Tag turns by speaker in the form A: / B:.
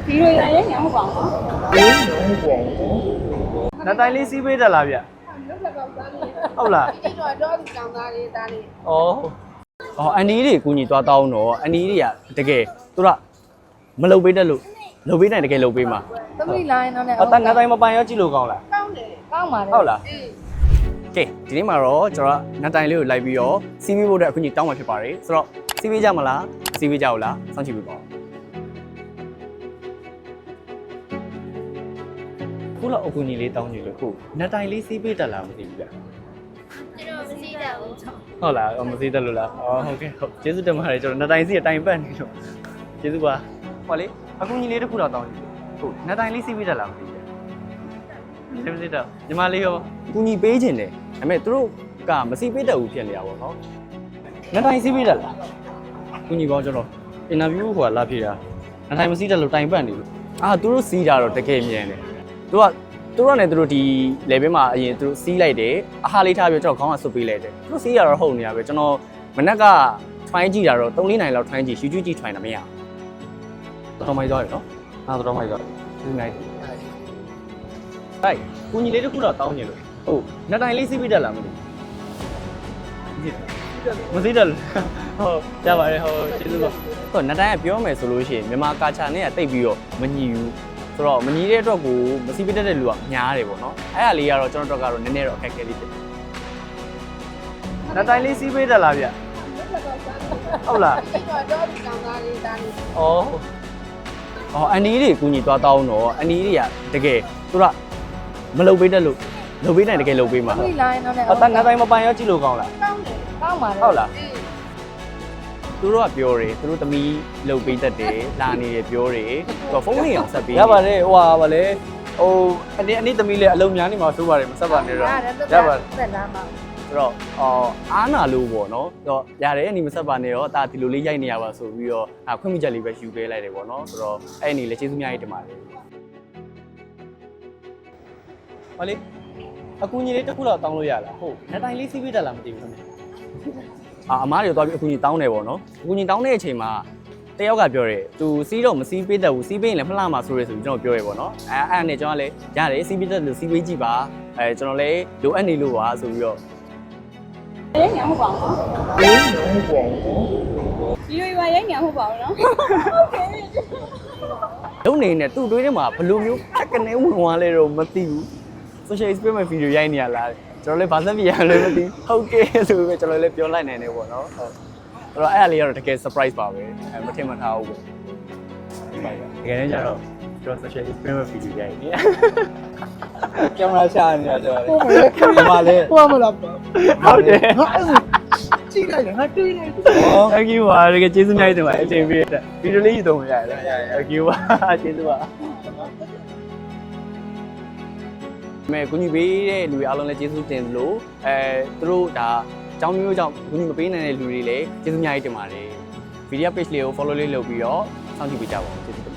A: ဒီလိုရရင်ငါမပေါ့နော်
B: နတ်တိုင်းလေးစီးပေးတက်လားဗျဟုတ်လား
A: ဒီတော့တော့ကြောင်သားလေးသားလေး
B: ဩအန်ဒီတွေကူညီသွားတောင်းတော့အန်ဒီတွေကတကယ်သူကမလုပ်ပေးတတ်လို့လုပ်ပေးနိုင်တကယ်လုပ်ပေးမှာ
A: သမီးလိုင်းတော့လည်း
B: အတန်နတ်တိုင်းမပိုင်ရောကြည့်လို့ကောင်းလား
A: ကောင်းတယ်ကောင်းပါလေ
B: ဟုတ်လား
A: အေး
B: ကဲဒီနေ့မှာတော့ကျွန်တော်နတ်တိုင်းလေးကိုလိုက်ပြီးတော့စီးပေးဖို့အတွက်အခုညီတောင်းမှာဖြစ်ပါတယ်ဆိုတော့စီးပေးကြမလားစီးပေးကြဘူးလားစောင့်ကြည့်ပေးပါဦးခုလောက်အခုညီလေးတောင်းကြည့်လို့ခုနတ်တိုင်းလေးစီးပေးတက်လားမသိဘူးဗျ
A: ကျွန်တော်မသိတတ်ဘူး
B: ဟုတ်လားမသိတတ်လို့လားဟုတ်ကဲ့ဟုတ်ကျေးဇူးတင်ပါတယ်ကျွန်တော်နတ်တိုင်းစီးအတိုင်းပတ်နေလို့ကျေးဇူးပါဟောလေအခုညီလေးတစ်ခုတော့တောင်းကြည့်ဟုတ်နတ်တိုင်းလေးစီးပေးတက်လားမသိဘူးဗျမသိတော့ညီမလေးရောကူညီပေးခြင်းတယ်ဒါပေမဲ့သူတို့ကမစီးပေးတတ်ဘူးဖြစ်နေတာပေါ့နော်နတ်တိုင်းစီးပေးတက်လားကူညီပေါင်းကျွန်တော်အင်တာဗျူးဟိုကလာဖြေတာနတ်တိုင်းမစီးတတ်လို့တိုင်ပတ်နေလို့သူတို့စီးတာတော့တကယ်မြင်တယ်သူတို့နဲ့သူတို့ဒီ level မှာအရင်သူတို့စီးလိုက်တယ်အဟာလေးထားပြီးကျွန်တော်ခေါင်းကဆွတ်ပေးလိုက်တယ်သူတို့စီးရတော့ဟုတ်နေရပဲကျွန်တော်မနက်က try ကြည့်တာတော့3-4နိုင်လောက် try ကြည့် YouTube ကြည့် try တာမရဘူးတော်မိုက်သွားရနော်တော်မိုက်သွားဒီနိုင်ဟဲ့ကိုညီလေးတခုတော့တောင်းနေလို့ဟုတ်နတ်တိုင်းလေးစီးပြီးတက်လာမလို့မသိတယ်ဟုတ်ကြပါရဲ့ဟုတ်ကျေးဇူးပါဟုတ်နတ်တိုင်းကပြောမယ်ဆိုလို့ရှိရင်မြန်မာကာချာနဲ့ကတိတ်ပြီးတော့မညီဘူးဆိုတော့မညီတဲ့အတွက်ကိုမစီးပေးတတ်တဲ့လူကများတယ်ပေါ့နော်အဲ့ဒါလေးကတော့ကျွန်တော်တို့ကတော့နည်းနည်းတော့အခက်အခဲလေးဖြစ်တယ်နတ်တိုင်းလေးစီးပေးတက်လားဗျဟုတ်လား
A: ဒီတော့တော့ကြောင်သားလေးသားလေး
B: အန်ဒီတွေကူညီသွားတောင်းတော့အန်ဒီတွေကတကယ်သူကမလုပ်ပေးတတ်လို့လုပ်ပေးနိုင်တကယ်လုပ်ပေးမှာ
A: သမီးလိုင်းတော့လည်း
B: အတန်နတ်တိုင်းမပိုင်ရောကြည့်လို့ကောင်းလား
A: ကောင်းတယ်ကောင်းပါလေ
B: ဟုတ်လား
A: အေး
B: သူတို့ကပြောတယ်သူတို့သမီးလုပ်ပေးတတ်တယ်လာနေတယ်ပြောတယ်သူကဖုန်းလေးအောင်ဆက်ပေး
C: ရပါတယ်ဟိုဟာဗာလေဟိုအနည်းသမီးလေးအလုံးများနေမှာဆိုပါတယ်မဆက်ပါနဲ့တော့
A: ရပါတယ်သက်လာမှာ
B: ဆိုတော့အားနာလို့ပေါ့နော်တော့ရတယ်အနီမဆက်ပါနဲ့တော့ဒါဒီလိုလေးရိုက်နေရပါဆိုပြီးတော့ခွင့်ပြုချက်လေးပဲယူပေးလိုက်တယ်ပေါ့နော်ဆိုတော့အဲ့အနေလေးကျေးဇူးများကြီးတင်ပါတယ်ဟောလေအကူညီလေးတစ်ခုတော့တောင်းလို့ရလားဟုတ်နတ်တိုင်းလေးစီးပေးတက်လားမသိဘူးခင်ဗျအမားတွေတော့ပြီးအကူညီတောင်းတယ်ပေါ့နော်အကူညီတောင်းတဲ့အချိန်မှာတယောက်ကပြောတယ်သူစီးတော့မစီးပေးတတ်ဘူးစီးပေးရင်လည်းမလှမှာဆိုရဲဆိုပြီးကျွန်တော်ပြောရပေါ့နော်အဲ့နဲ့ကျွန်တော်လည်းရတယ်စီးပေးတတ်လို့စီးပေးကြည့်ပါကျွန်တော်လည်းလိုအပ်နေလို့ပါဆိုပြီးတော့
A: ရငါမပေါ့နော်ဒီလိုရရင်ငါမပေါ့နော်ဟုတ်ကဲ့
B: လုံနေနဲ့သူ့တွေးထဲမှာဘယ်လိုမျိုးဖက်ကနေဝင်သွားလဲတော့မသိဘူး social experiment video ရိုက်နေရလားကျွန်တော်လည်းဘာသက်ပြရလဲမသိဟုတ်ကဲ့ဆိုပြီးကျွန်တော်လည်းပြောလိုက်နိုင်တယ်ပေါ့နော်ဟုတ်အဲ့တော့အဲ့အလေးကတော့တကယ် surprise ပါပဲမထင်မှတ်ထားဘူးပေါ့တကယ်လည်းကျတော့ကျွန်တော် social experiment video ရိုက်နေ
C: ကင်မရာရှာနေတာကျွန်တော်လေဘာလဲ
D: ဟိုမလား
B: ဟုတ်တယ်
D: ငါအဲ့ဒါကြည့်လိုက်တယ်ငါတွေးလိုက်တယ်
B: thank you ပါတကယ်ကျေးဇူးများကြီးတင်ပါတယ်အချိန်ပေးတဲ့ဗီဒီယိုလေးယူသုံးရတယ် thank you ပါကျေးဇူးပါမဲကူညီပေးတဲ့လူတွေအားလုံးလည်းကျေးဇူးတင်လို့သူတို့ဒါအကြောင်းမျိုးကြောင့်ကူညီမပေးနိုင်တဲ့လူတွေလည်းကျေးဇူးများကြီးတင်ပါတယ်ဗီဒီယို page လေးကို follow လေးလုပ်ပြီးတော့စောင့်ကြည့်ပေးကြပါဦးကျေးဇူး